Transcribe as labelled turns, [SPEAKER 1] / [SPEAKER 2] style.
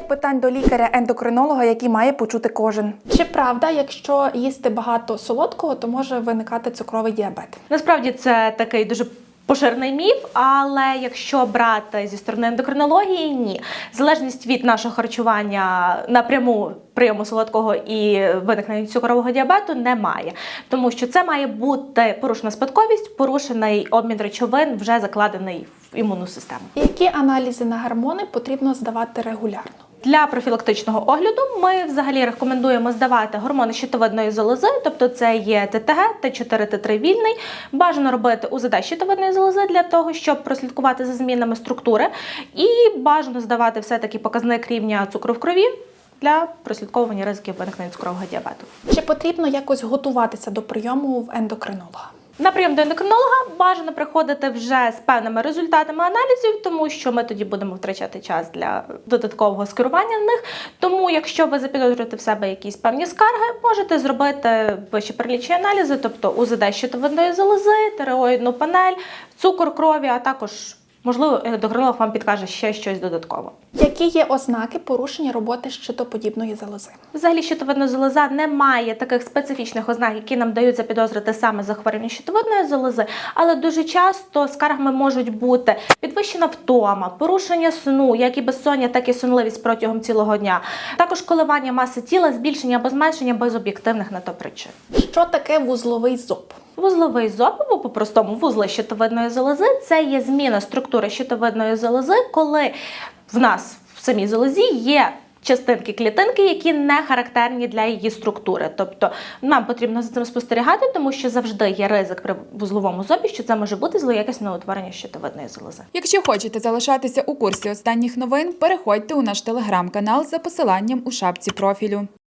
[SPEAKER 1] питань до лікаря-ендокринолога, які має почути кожен. Чи правда, якщо їсти багато солодкого, то може виникати цукровий діабет?
[SPEAKER 2] Насправді це такий дуже поширений міф, але якщо брати зі сторони ендокринології, ні. Залежність від нашого харчування напряму прийому солодкого і виникнення цукрового діабету немає. Тому що це має бути порушена спадковість, порушений обмін речовин, вже закладений в імунну систему.
[SPEAKER 1] Які аналізи на гормони потрібно здавати регулярно?
[SPEAKER 2] Для профілактичного огляду ми взагалі рекомендуємо здавати гормони щитовидної залози, тобто це є ТТГ, Т4, Т3 вільний. Бажано робити УЗД щитовидної залози для того, щоб прослідкувати за змінами структури. І бажано здавати все-таки показник рівня цукру в крові для прослідковування ризиків виникнення цукрового діабету.
[SPEAKER 1] Чи потрібно якось готуватися до прийому в ендокринолога?
[SPEAKER 2] На прийом до ендокринолога бажано приходити вже з певними результатами аналізів, тому що ми тоді будемо втрачати час для додаткового скерування на них. Тому, якщо ви запідозрюєте в себе якісь певні скарги, можете зробити вище перелічені аналізи, тобто УЗД щитовидної залози, тиреоїдну панель, цукор крові, а також, можливо, ендокринолог вам підкаже ще щось додатково.
[SPEAKER 1] Які є ознаки порушення роботи щитоподібної залози?
[SPEAKER 2] Взагалі щитовидна залоза не має таких специфічних ознак, які нам дають запідозрити саме захворювання щитовидної залози, але дуже часто скаргами можуть бути підвищена втома, порушення сну, як і безсоння, так і сонливість протягом цілого дня, також коливання маси тіла, збільшення або зменшення без об'єктивних на то причин.
[SPEAKER 1] Що таке вузловий зоб?
[SPEAKER 2] Вузловий зоб, або по-простому вузли щитовидної залози, це є зміна структури щитовидної залози, коли в нас в самій залозі є частинки клітинки, які не характерні для її структури. Тобто нам потрібно за цим спостерігати, тому що завжди є ризик при вузловому зобі, що це може бути злоякісне утворення щитовидної залози.
[SPEAKER 3] Якщо хочете залишатися у курсі останніх новин, переходьте у наш телеграм-канал за посиланням у шапці профілю.